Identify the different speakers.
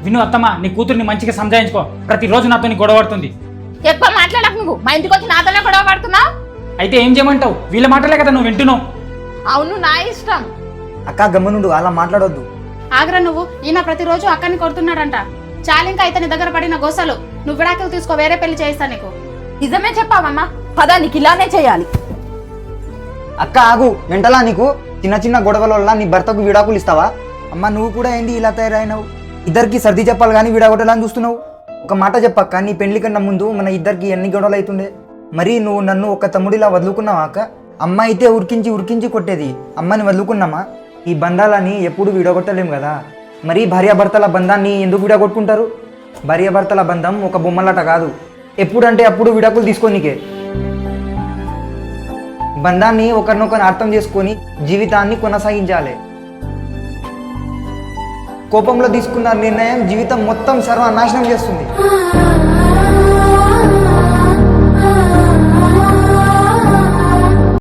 Speaker 1: విను అత్తమ్మ, నీ కూతుర్ని మంచిగా సంజాయించుకో. ప్రతిరోజు నాతో నీ గొడవ పడుతుంది.
Speaker 2: ఎక్కువ మాట్లాడకు, నువ్వు మా ఇంటికి వచ్చి నాతోనే గొడవ పడుతున్నావు.
Speaker 1: అయితే ఏం చేయమంటావు? వీళ్ళ మాటలే కదా నువ్వు వింటున్నావు.
Speaker 2: అవును, నా ఇష్టం.
Speaker 3: అక్క గమ్మునుండు, అలా మాట్లాడొద్దు.
Speaker 4: ఆగ్రా నువ్వు. ఈయన ప్రతిరోజు అక్కని కొడుతున్నాడంట. చాలింకా అయితే నీ దగ్గర పడిన గోసలు. నువ్వు విడాకులు తీసుకో, వేరే పెళ్లి చేయిస్తా నీకు.
Speaker 2: నిజమే చెప్పావమ్మా, పదా నీకు ఇలానే చేయాలి.
Speaker 3: అక్క ఆగు, మెంటలా నీకు? చిన్న చిన్న గొడవల వల్ల నీ భర్తకు విడాకులు ఇస్తావా? అమ్మ నువ్వు కూడా ఏంది ఇలా తయారైనావు? ఇద్దరికి సర్ది చెప్పాలి కానీ విడాగొట్టాలని చూస్తున్నావు. ఒక మాట చెప్పక్క, నీ పెళ్లి కన్నా ముందు మన ఇద్దరికి ఎన్ని గొడవలు అవుతుండే? మరి నువ్వు నన్ను ఒక తమ్ముడిలా వదులుకున్నావా అక్క? అమ్మ అయితే ఉరికించి ఉరికించి కొట్టేది, అమ్మని వదులుకున్నామా? ఈ బంధాలని ఎప్పుడు విడగొట్టలేము కదా. మరి భార్యాభర్తల బంధాన్ని ఎందుకు విడగొట్టుకుంటారు? భార్యాభర్తల బంధం ఒక బొమ్మలాట కాదు, ఎప్పుడంటే అప్పుడు విడాకులు తీసుకోనికే. బంధాన్ని ఒకరినొకరు అర్థం చేసుకొని జీవితాన్ని కొనసాగించాలి. కోపంలో తీసుకున్న నిర్ణయం జీవితం మొత్తం సర్వనాశనం చేస్తుంది.